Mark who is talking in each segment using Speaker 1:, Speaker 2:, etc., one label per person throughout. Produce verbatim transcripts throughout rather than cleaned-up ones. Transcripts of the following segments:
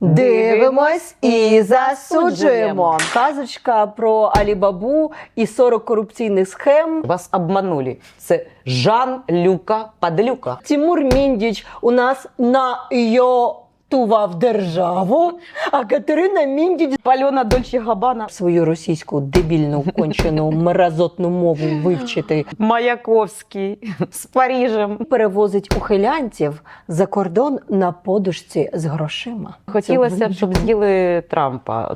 Speaker 1: Дивимось і засуджуємо. Казочка про Алі-Бабу і сорок корупційних схем.
Speaker 2: Вас обманули. Це Жан-Люка Падлюка.
Speaker 1: Тимур Міндіч у нас найотував державу, а Катерина Міндіч
Speaker 2: Пальона Дольче Габбана.
Speaker 1: свою російську дебільну, кончену, мразотну мову вивчити.
Speaker 2: Маяковський з Парижем.
Speaker 1: Перевозить ухилянців за кордон на подушці з грошима.
Speaker 2: Хотілося б, щоб з'їли Трампа.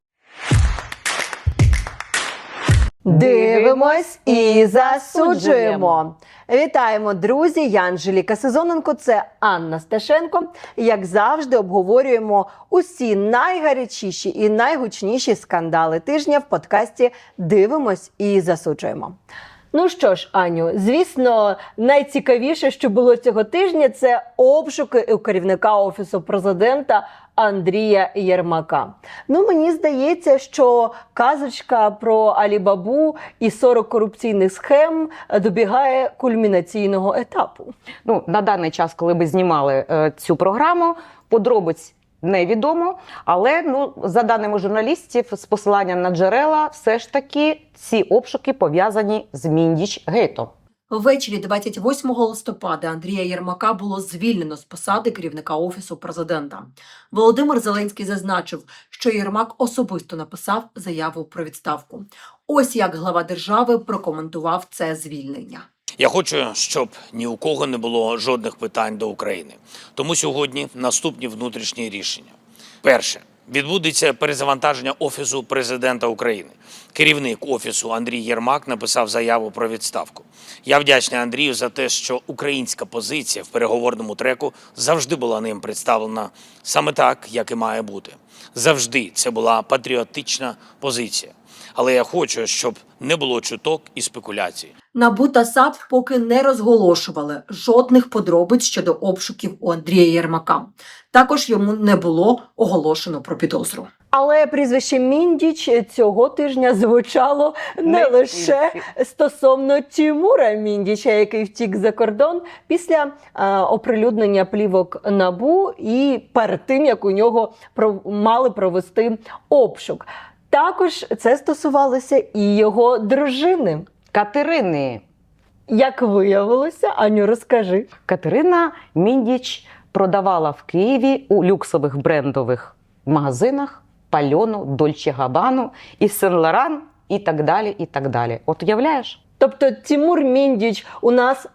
Speaker 1: Дивимось і засуджуємо. Вітаємо, друзі! Я Анжеліка Сезоненко, це Анна Сташенко. Як завжди, обговорюємо усі найгарячіші і найгучніші скандали тижня в подкасті «Дивимось і засуджуємо». Ну що ж, Аню, звісно, найцікавіше, що було цього тижня, це обшуки у керівника Офісу Президента Андрія Єрмака. Ну, мені здається, що казочка про Алі-Бабу і сорок корупційних схем добігає кульмінаційного етапу.
Speaker 2: Ну, на даний час, коли ми знімали е, цю програму, подробиць невідомо, але, ну, за даними журналістів, з посиланням на джерела, все ж таки ці обшуки пов'язані з Міндіч-гейтом.
Speaker 1: Ввечері двадцять восьмого листопада Андрія Єрмака було звільнено з посади керівника Офісу Президента. Володимир Зеленський зазначив, що Єрмак особисто написав заяву про відставку. Ось як глава держави прокоментував це звільнення.
Speaker 3: Я хочу, щоб ні у кого не було жодних питань до України. Тому сьогодні наступні внутрішні рішення. Перше. Відбудеться перезавантаження Офісу Президента України. Керівник Офісу Андрій Єрмак написав заяву про відставку. Я вдячний Андрію за те, що українська позиція в переговорному треку завжди була ним представлена саме так, як і має бути. Завжди це була патріотична позиція. Але я хочу, щоб не було чуток і спекуляцій.
Speaker 1: НАБУ та САП поки не розголошували жодних подробиць щодо обшуків у Андрія Єрмака. Також йому не було оголошено про підозру. Але прізвище Міндіч цього тижня звучало не,
Speaker 2: Не
Speaker 1: лише
Speaker 2: тільки.
Speaker 1: стосовно Тимура Міндіча, який втік за кордон після е, оприлюднення плівок НАБУ і перед тим, як у нього про, мали провести обшук. Також це стосувалося і його дружини.
Speaker 2: Катерини.
Speaker 1: Як виявилося, Аню, розкажи.
Speaker 2: Катерина Міндіч продавала в Києві у люксових брендових магазинах Пальону, Дольче Габбану і Сен-Лоран і так далі, і так далі. От уявляєш?
Speaker 1: Тобто Тимур Міндіч у нас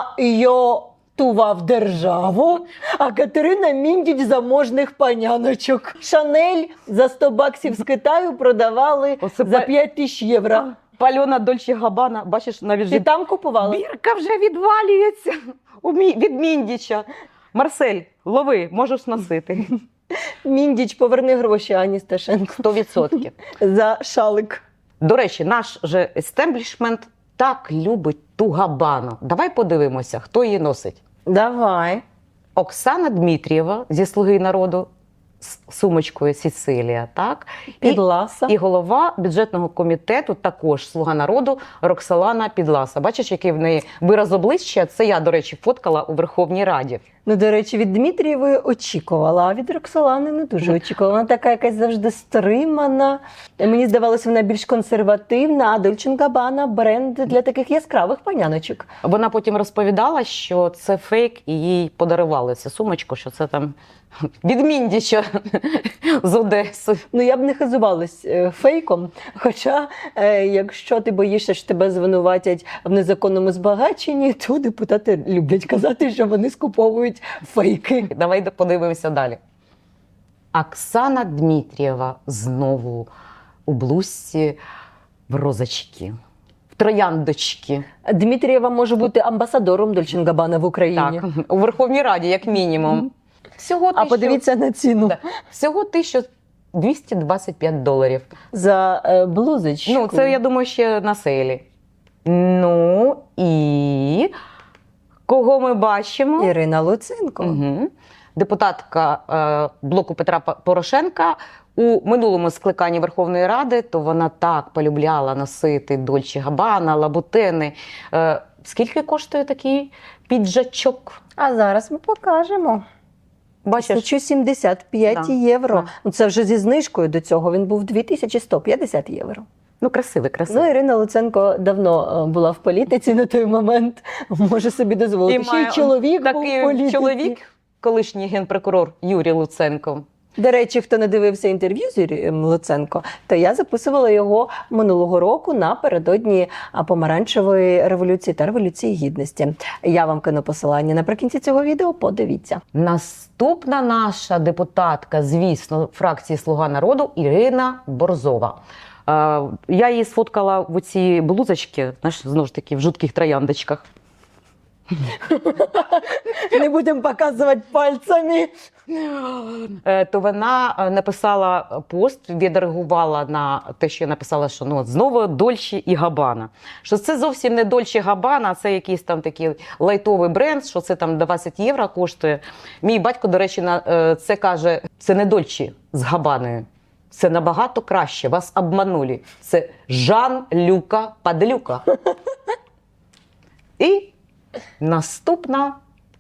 Speaker 1: найотував державу, а Катерина Міндіч заможних паняночок. Шанель за сто баксів з Китаю продавали
Speaker 2: Оце
Speaker 1: за
Speaker 2: па-
Speaker 1: п'ять тисяч євро.
Speaker 2: Пальона Дольче Габбана, бачиш, навіть
Speaker 1: Ти
Speaker 2: же
Speaker 1: там купувала?
Speaker 2: бірка вже відвалюється у Мі- від Міндіча. Марсель, лови, можеш носити.
Speaker 1: Міндіч, поверни гроші Ані Сташенко
Speaker 2: сто відсотків.
Speaker 1: за шалик.
Speaker 2: До речі, наш же естеблішмент так любить ту Габбану. Давай подивимося, хто її носить.
Speaker 1: Давай.
Speaker 2: Оксана Дмитрієва зі «Слуги народу» з сумочкою Сіцилія, так?
Speaker 1: Підласа.
Speaker 2: І голова бюджетного комітету, також «Слуга народу», Роксолана Підласа. Бачиш, який в неї вираз обличчя? Це я, до речі, фоткала у Верховній Раді.
Speaker 1: Ну, до речі, від Дмитрієвої очікувала, а від Роксолани не дуже очікувала. Вона така якась завжди стримана. Мені здавалося, вона більш консервативна, а Дольче енд Габбана – бренд для таких яскравих паняночок.
Speaker 2: Вона потім розповідала, що це фейк, і їй подарували цю сумочку, що це там від Міндіча з Одеси.
Speaker 1: Ну, я б не хизувалась е, фейком, хоча, е, якщо ти боїшся, що тебе звинуватять в незаконному збагаченні, то депутати люблять казати, що вони скуповують фейки.
Speaker 2: Давай подивимося далі. Оксана Дмитрієва знову у блузці в розочки, в трояндочки.
Speaker 1: Дмитрієва може бути амбасадором Дольче енд Габбана в Україні.
Speaker 2: Так, у Верховній Раді, як мінімум. Всього
Speaker 1: А
Speaker 2: тисячу-
Speaker 1: подивіться на ціну
Speaker 2: Да. Всього тисяча двісті двадцять п'ять доларів.
Speaker 1: за е, блузочку.
Speaker 2: Ну, це, я думаю, ще на сейлі. Ну, і кого ми бачимо?
Speaker 1: Ірина Луценко.
Speaker 2: Угу. Депутатка е, блоку Петра П- Порошенка у минулому скликанні Верховної Ради, то вона так полюбляла носити Дольче Габбана, лабутени. Е, скільки коштує такий піджачок?
Speaker 1: А зараз ми покажемо.
Speaker 2: Бачиш,
Speaker 1: тисяча сімдесят п'ять
Speaker 2: Да.
Speaker 1: євро.
Speaker 2: Да.
Speaker 1: Ну, це вже зі знижкою до цього. Він був дві тисячі сто п'ятдесят євро.
Speaker 2: ну красивий, красивий.
Speaker 1: Ну, Ірина Луценко давно е, була в політиці на той момент. Може собі дозволити. Ще й
Speaker 2: має
Speaker 1: чоловік був в
Speaker 2: такий
Speaker 1: політиці.
Speaker 2: чоловік, колишній генпрокурор Юрій Луценко.
Speaker 1: До речі, хто не дивився інтерв'ю з Юрієм Луценко, то я записувала його минулого року напередодні а, помаранчевої революції та революції гідності. Я вам кину посилання наприкінці цього відео. Подивіться.
Speaker 2: Наступна наша депутатка, звісно, фракції «Слуга народу» Ірина Борзова. Е, Я її сфоткала в оці блузочки, знаєш, знову ж таки, в жутких трояндочках.
Speaker 1: Не будемо показувати пальцями.
Speaker 2: Е, То вона е, написала пост, відреагувала на те, що я написала, що ну, от знову Дольче і Габбана. Що це зовсім не Дольче Габбана, а це якийсь там такий лайтовий бренд, що це там двадцять євро коштує. Мій батько, до речі, на е, це каже, це не Дольче з Габбаною. Це набагато краще, вас обманули. Це Жан-Люка Падлюка. І наступна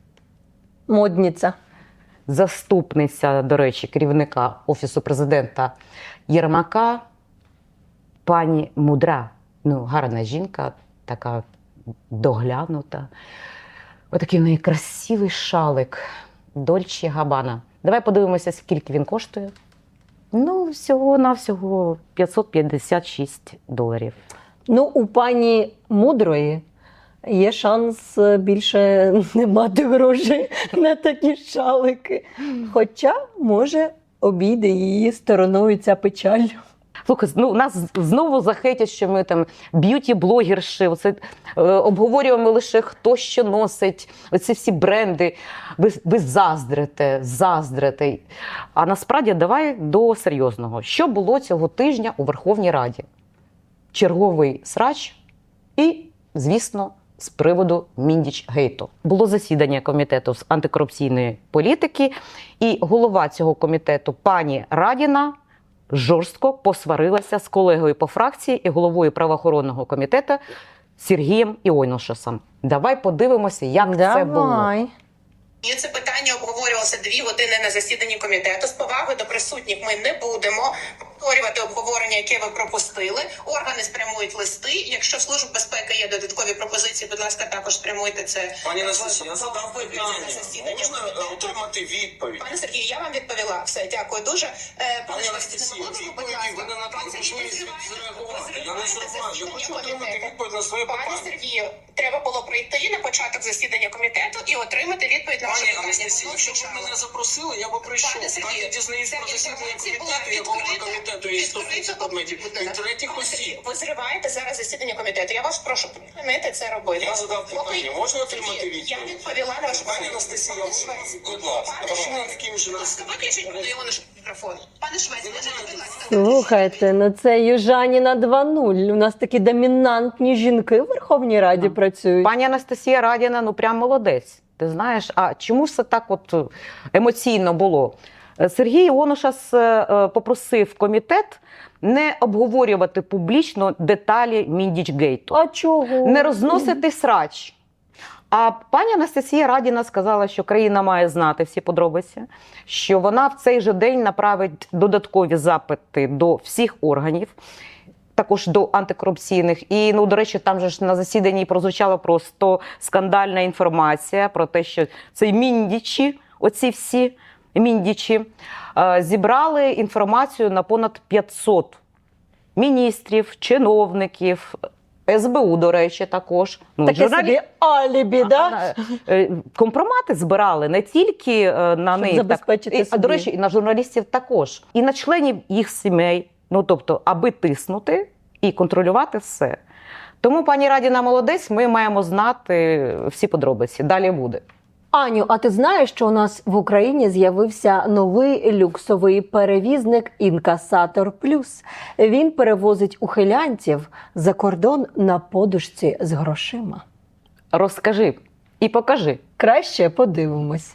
Speaker 1: Модниця.
Speaker 2: заступниця, до речі, керівника Офісу президента Єрмака, пані Мудра. Ну, гарна жінка, така доглянута. Отакий в неї красивий шалик. Дольче Габбана. Давай подивимося, скільки він коштує. Ну, всього-навсього п'ятсот п'ятдесят шість доларів.
Speaker 1: Ну, у пані Мудрої є шанс більше не мати грошей на такі шалики. Хоча, може, обійде її стороною ця печаль.
Speaker 2: Слухай, ну нас знову захейтять, що ми там б'юті-блогерші, оце, е, обговорюємо лише хто що носить, оці всі бренди. Ви, ви заздрите, заздрите. А насправді давай до серйозного. Що було цього тижня у Верховній Раді? Черговий срач і, звісно, з приводу Міндіч-гейту. Було засідання комітету з антикорупційної політики, і голова цього комітету пані Радіна жорстко посварилася з колегою по фракції і головою правоохоронного комітету Сергієм Іонушасом. Давай подивимося, як це було.
Speaker 1: Давай.
Speaker 4: І це питання обговорювалося дві години на засіданні комітету. З повагою до присутніх ми не будемо повторювати обговорення, яке ви пропустили. Органи спрямують листи. Якщо в Служб безпеки є додаткові пропозиції, будь ласка, також спрямуйте це.
Speaker 5: Пані Анастасія, я задав
Speaker 4: в- в-
Speaker 5: питання.
Speaker 4: на засідання
Speaker 5: Можна
Speaker 4: комітету.
Speaker 5: е, отримати відповідь?
Speaker 4: Пане Сергію, я вам відповіла. Все, дякую дуже. Е,
Speaker 5: Пані
Speaker 4: Швець,
Speaker 5: Анастасія,
Speaker 4: не могли б ви, будь
Speaker 5: відповіді
Speaker 4: ласка,
Speaker 5: ви не надали
Speaker 4: пан Сергій,
Speaker 5: можливість
Speaker 4: ви зриваєте-
Speaker 5: відреагувати.
Speaker 4: ви
Speaker 5: Я не
Speaker 4: зриваєте
Speaker 5: зриваю, я
Speaker 4: засідання
Speaker 5: хочу отримати
Speaker 4: комітету.
Speaker 5: відповідь на своє
Speaker 4: Пане
Speaker 5: питання.
Speaker 4: Сергію, треба було прийти на початок засідання комітету і отримати відповідь на ваше
Speaker 5: Пані
Speaker 4: питання.
Speaker 5: Анастасія,
Speaker 4: Воно
Speaker 5: якщо б ви
Speaker 4: звучало.
Speaker 5: мене запросили, я би прийшов.
Speaker 4: Пане Сергію,
Speaker 5: Так я дізнаюсь
Speaker 4: ця
Speaker 5: про засідання
Speaker 4: інформація була
Speaker 5: комітету, я голова
Speaker 4: відкрита-
Speaker 5: комітету і
Speaker 4: відкрита
Speaker 5: стосується предметів
Speaker 4: опитувана.
Speaker 5: від третіх
Speaker 4: Пане
Speaker 5: осіб.
Speaker 4: Сергію, ви зриваєте зараз засідання комітету. Я вас прошу припинити це робити.
Speaker 5: Я задав
Speaker 4: Поки-
Speaker 5: питання, можна отримати
Speaker 4: Сергію,
Speaker 5: відповідь?
Speaker 4: Я відповіла на ваше
Speaker 5: Пані
Speaker 4: питання.
Speaker 5: Анастасія,
Speaker 4: Пане Швець,
Speaker 5: будь ласка,
Speaker 4: пане
Speaker 5: прошу
Speaker 4: Швець,
Speaker 5: таким же
Speaker 4: будь ласка, виключіть
Speaker 5: нас-
Speaker 4: Іону мікрофон. Пане Швець, виключіть, будь ласка.
Speaker 1: Слухайте, ну це Южаніна два нуль. У нас такі домінантні жінки в Верховній Раді
Speaker 2: Так.
Speaker 1: працюють.
Speaker 2: Пані Анастасія Радіна, ну прям молодець. Ти знаєш, а чому ж це так от емоційно було? Сергій Іонушас е, попросив комітет не обговорювати публічно деталі Міндіч-гейту,
Speaker 1: А чого?
Speaker 2: не розносити срач. А пані Анастасія Радіна сказала, що країна має знати всі подробиці, що вона в цей же день направить додаткові запити до всіх органів, також до антикорупційних. І, ну, до речі, там же ж на засіданні прозвучала просто скандальна інформація про те, що цей Міндічі, оці всі Міндічі, е, зібрали інформацію на понад п'ятсот міністрів, чиновників, ес бе у, до речі, також. Ну,
Speaker 1: Таке
Speaker 2: журналі-
Speaker 1: собі алібі, да?
Speaker 2: А, е, компромати збирали не тільки е, на
Speaker 1: Щоб
Speaker 2: них,
Speaker 1: забезпечити
Speaker 2: так, і, а до
Speaker 1: собі.
Speaker 2: речі, і на журналістів також, і на членів їх сімей. Ну тобто, аби тиснути і контролювати все. Тому пані Радіна молодець, ми маємо знати всі подробиці. Далі буде.
Speaker 1: Аню, а ти знаєш, що у нас в Україні з'явився новий люксовий перевізник «Інкасатор Плюс». Він перевозить ухилянців за кордон на подушці з грошима.
Speaker 2: Розкажи і покажи.
Speaker 1: Краще подивимось.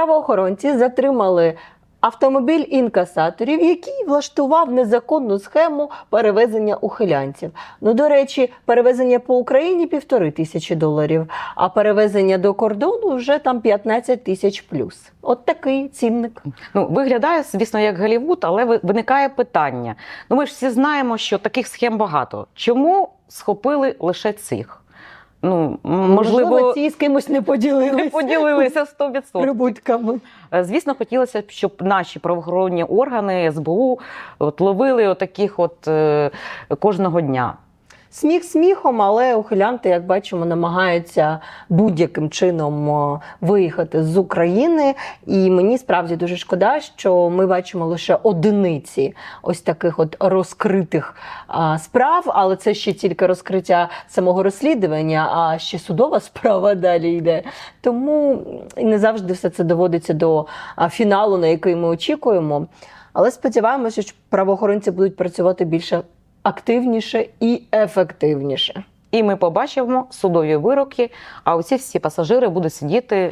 Speaker 1: Правоохоронці затримали автомобіль інкасаторів, який влаштував незаконну схему перевезення ухилянців. Ну, до речі, перевезення по Україні – півтори тисячі доларів, а перевезення до кордону вже там п'ятнадцять тисяч плюс. От такий цінник.
Speaker 2: Ну, виглядає, звісно, як Голлівуд, але ви- виникає питання. Ну, ми ж всі знаємо, що таких схем багато. Чому схопили лише цих? Ну, м, можливо,
Speaker 1: ці з кимось не поділилися
Speaker 2: не поділилися сто відсотків.
Speaker 1: прибутками.
Speaker 2: Е, Звісно, хотілося б, щоб наші правоохоронні органи ес бе у от, ловили отаких от, е, кожного дня.
Speaker 1: Сміх сміхом, але ухилянти, як бачимо, намагаються будь-яким чином о, виїхати з України. І мені справді дуже шкода, що ми бачимо лише одиниці ось таких от розкритих а, справ, але це ще тільки розкриття самого розслідування, а ще судова справа далі йде. Тому і не завжди все це доводиться до а, фіналу, на який ми очікуємо. Але сподіваємося, що правоохоронці будуть працювати більше активніше і ефективніше.
Speaker 2: І ми побачимо судові вироки, а оці всі пасажири будуть сидіти.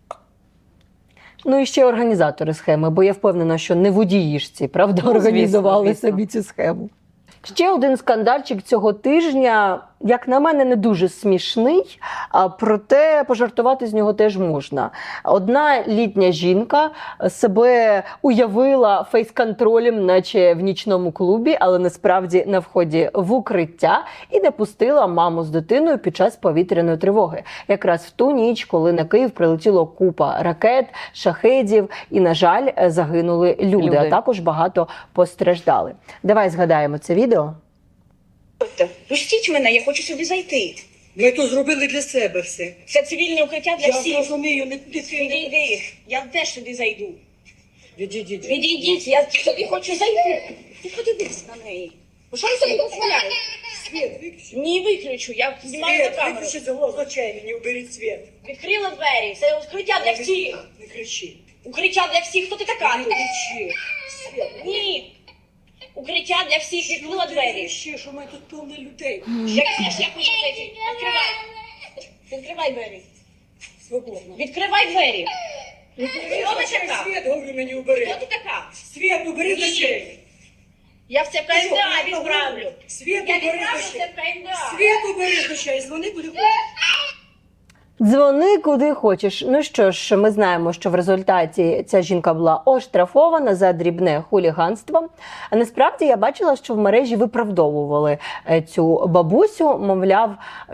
Speaker 1: Ну і ще організатори схеми, бо я впевнена, що не водії ж ці, правда,
Speaker 2: Ну, звісно,
Speaker 1: організували
Speaker 2: звісно.
Speaker 1: собі цю схему. Ще один скандальчик цього тижня, як на мене, не дуже смішний, а проте пожартувати з нього теж можна. Одна літня жінка себе уявила фейс-контролем, наче в нічному клубі, але насправді на вході в укриття, і не пустила маму з дитиною під час повітряної тривоги. Якраз в ту ніч, коли на Київ прилетіло купа ракет, шахедів і, на жаль, загинули люди,
Speaker 2: Люди.
Speaker 1: а також багато постраждали. Давай згадаємо це відео.
Speaker 6: Пустіть мене, я хочу сюди зайти.
Speaker 7: Ми то зробили для себе все.
Speaker 6: Це цивільне укриття для
Speaker 7: Я
Speaker 6: всіх.
Speaker 7: розумію, не туди
Speaker 6: Відійди, я теж сюди зайду.
Speaker 7: Відійдіть.
Speaker 6: Відійдіть, я сюди хочу зайти. Ти подивись на неї. Ну, що ви собі дозволяєте?
Speaker 7: Світ, виключи.
Speaker 6: Ні, виключу, я знімаю на
Speaker 7: Світ,
Speaker 6: камеру.
Speaker 7: виключи з з очей мені, уберіть світ.
Speaker 6: Відкрила двері, це укриття для всіх.
Speaker 7: Не кричи.
Speaker 6: Укриття для всіх, хто ти така?
Speaker 7: Не кричи. Світ,
Speaker 6: Ні. Укриття для всіх, відкрила
Speaker 7: не
Speaker 6: двері.
Speaker 7: кричи, що ми тут повно людей.
Speaker 6: Як теж, я хочу зайти. Відкривай. Відкривай двері.
Speaker 7: Свободно.
Speaker 6: Відкривай двері.
Speaker 7: Убери
Speaker 6: Хто
Speaker 7: з
Speaker 6: ви
Speaker 7: очей,
Speaker 6: така?
Speaker 7: Світ, говорю мені, убери.
Speaker 6: Хто ти така?
Speaker 7: Світ, убери з очей.
Speaker 6: Я в це ка ен де а відправлю.
Speaker 7: Світ,
Speaker 6: Я
Speaker 7: убери
Speaker 6: відправлю
Speaker 7: з
Speaker 6: це
Speaker 7: очей.
Speaker 6: в ка ен де а.
Speaker 7: Світ, убери з очей, дзвони, буде.
Speaker 1: Дзвони куди хочеш. Ну що ж, ми знаємо, що в результаті ця жінка була оштрафована за дрібне хуліганство. А насправді я бачила, що в мережі виправдовували е, цю бабусю. Мовляв,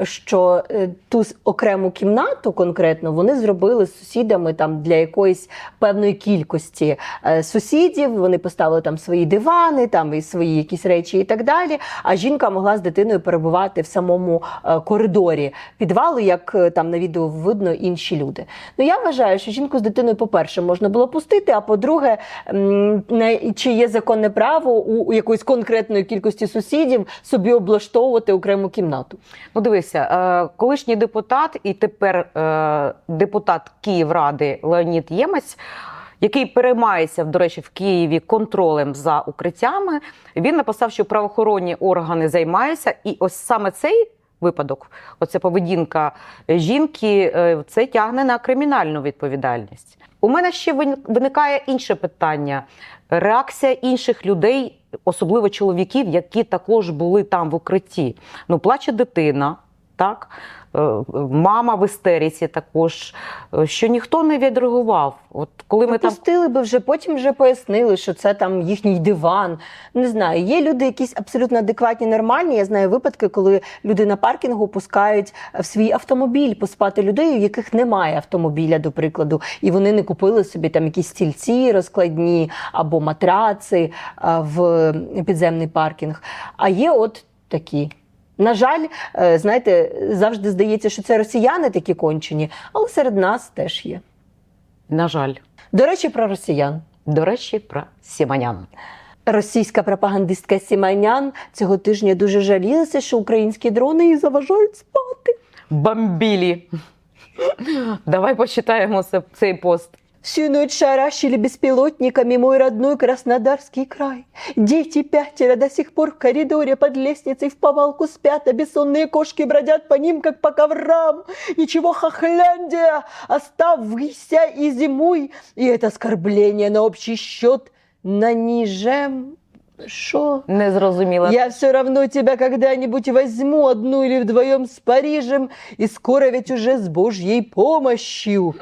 Speaker 1: що е, ту с- окрему кімнату конкретно вони зробили з сусідами там для якоїсь певної кількості е, сусідів. Вони поставили там свої дивани, там і свої якісь речі і так далі. А жінка могла з дитиною перебувати в самому е, коридорі підвалу, як е, там на відео видно інші люди. Ну я вважаю, що жінку з дитиною, по-перше, можна було пустити, а по-друге, м, на- чи є законне право у, у якоїсь конкретної кількості сусідів собі облаштовувати окрему кімнату.
Speaker 2: Ну, дивися, е, колишній депутат і тепер е, депутат Київради Леонід Ємець, який переймається, до речі, в Києві контролем за укриттями, він написав, що правоохоронні органи займаються, і ось саме цей випадок, оця поведінка жінки, е, це тягне на кримінальну відповідальність. У мене ще вин- виникає інше питання. Реакція інших людей, особливо чоловіків, які також були там в укритті. Ну, плаче дитина, так? Е, Мама в істериці також, е, що ніхто не відреагував. От коли ми там
Speaker 1: Пустили би вже, потім вже пояснили, що це там їхній диван. Не знаю, є люди якісь абсолютно адекватні, нормальні. Я знаю випадки, коли люди на паркінгу пускають в свій автомобіль поспати людей, у яких немає автомобіля, до прикладу, і вони не купили собі там якісь стільці розкладні або матраци а, в підземний паркінг. А є от такі. На жаль, е, знаєте, завжди здається, що це росіяни такі кончені, але серед нас теж є.
Speaker 2: на жаль,
Speaker 1: До речі, про росіян.
Speaker 2: до речі, про Сіманян.
Speaker 1: Російська пропагандистка Сіманян цього тижня дуже жалілася, що українські дрони їй заважають спати.
Speaker 2: Бомбілі. Давай почитаємо це- цей пост.
Speaker 1: Всю ночь шарашили беспилотниками мой родной Краснодарский край. Дети пятеро до сих пор в коридоре под лестницей в повалку спят, а бессонные кошки бродят по ним, как по коврам. Ничего, Хохляндия, оставайся и зимуй, и это оскорбление на общий счет нанижем. Шо?
Speaker 2: Не зрозуміла.
Speaker 1: Я все равно тебя когда-нибудь возьму одну или вдвоем с Парижем, и скоро ведь уже с Божьей помощью.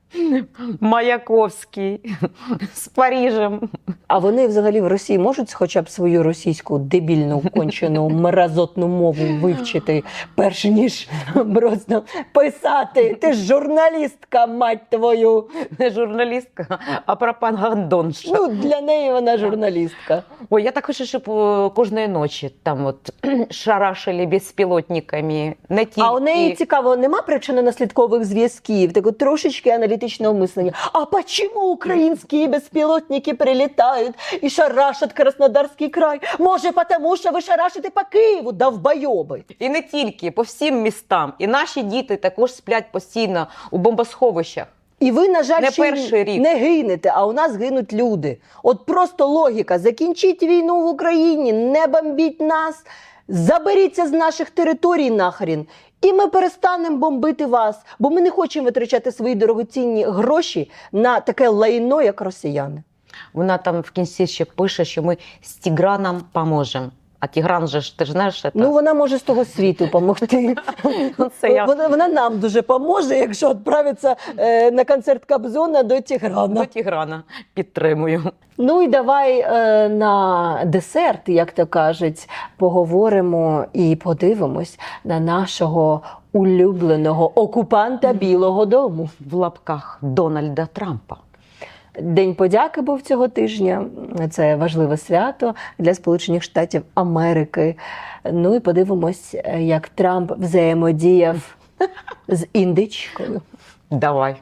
Speaker 2: Маяковський з Парижем.
Speaker 1: А вони взагалі в Росії можуть хоча б свою російську дебільну, кончену, мразотну мову вивчити, перш ніж просто писати? Ти ж журналістка, мать твою.
Speaker 2: Не журналістка, а пропагандонша.
Speaker 1: Ну, для неї вона журналістка.
Speaker 2: Ой, я так хочу, щоб е, кожної ночі там от шарашили безпілотниками. Не тільки...
Speaker 1: А у неї цікаво, нема причинно-наслідкових зв'язків, такого трошечки аналітичного мислення. А почему українські безпілотники прилітають і шарашать Краснодарський край? Може, тому що ви шарашите по Києву, довбойоби?
Speaker 2: І не тільки, по всім містам. І наші діти також сплять постійно у бомбосховищах.
Speaker 1: І ви, на жаль,
Speaker 2: Не
Speaker 1: ще й
Speaker 2: перший рік.
Speaker 1: не гинете, а у нас гинуть люди. От просто логіка. Закінчіть війну в Україні, не бомбіть нас, заберіться з наших територій нахрін. І ми перестанемо бомбити вас, бо ми не хочемо витрачати свої дорогоцінні гроші на таке лайно, як росіяни.
Speaker 2: Вона там в кінці ще пише, що ми з Тіграном поможемо. А Тігран же ж, ти ж знаєш, це...
Speaker 1: Ну, вона може з того світу допомогти.
Speaker 2: Це я.
Speaker 1: Вона, вона нам дуже поможе, якщо відправиться е, на концерт Кобзона до Тіграна.
Speaker 2: До Тіграна підтримую.
Speaker 1: Ну і давай е, на десерт, як то кажуть, поговоримо і подивимось на нашого улюбленого окупанта Білого дому.
Speaker 2: В лапках Дональда Трампа.
Speaker 1: День подяки був цього тижня. Це важливе свято для Сполучених Штатів Америки. Ну і подивимось, як Трамп взаємодіяв з індичкою.
Speaker 2: Давай.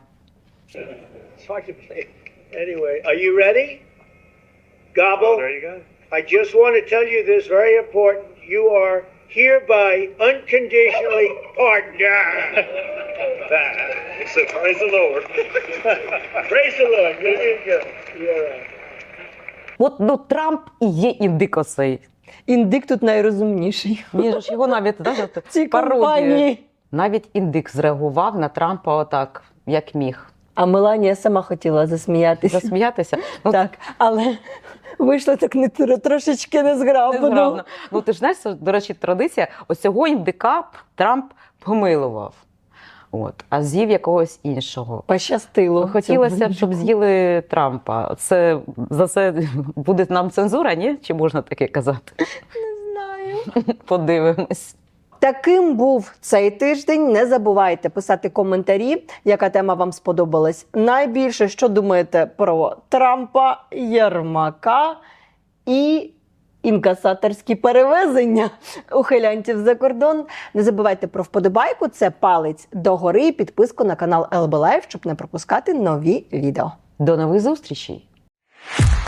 Speaker 8: Anyway, are you ready? Gobble. There you go. I just want to tell you this very important. You are hereby unconditionally pardoned. So praise the Lord. Praise the Lord. You're doing good. You're right.
Speaker 2: От ну, Трамп і є індикосей.
Speaker 1: Індик тут найрозумніший.
Speaker 2: Він ж його навіть знаєш,
Speaker 1: В цій
Speaker 2: пародіє.
Speaker 1: компанії.
Speaker 2: Навіть індик зреагував на Трампа отак, як міг.
Speaker 1: А Меланія сама хотіла засміятися.
Speaker 2: Засміятися? Ну,
Speaker 1: Так, але вийшло так не тр- трошечки незграбно.
Speaker 2: незграбно. Ну, ти ж знаєш, це, до речі, традиція, ось цього індика Трамп помилував. От, а з'їв якогось іншого.
Speaker 1: Пощастило.
Speaker 2: Хотілося б,
Speaker 1: цьому
Speaker 2: щоб
Speaker 1: індику.
Speaker 2: з'їли Трампа. Це, за це буде нам цензура, ні? Чи можна таке казати?
Speaker 1: Не знаю.
Speaker 2: Подивимось.
Speaker 1: Таким був цей тиждень. Не забувайте писати коментарі, яка тема вам сподобалась найбільше, що думаєте про Трампа, Єрмака і інкасаторські перевезення ухилянтів за кордон. Не забувайте про вподобайку, це палець догори і підписку на канал ел бі Life, щоб не пропускати нові відео.
Speaker 2: До нових зустрічей!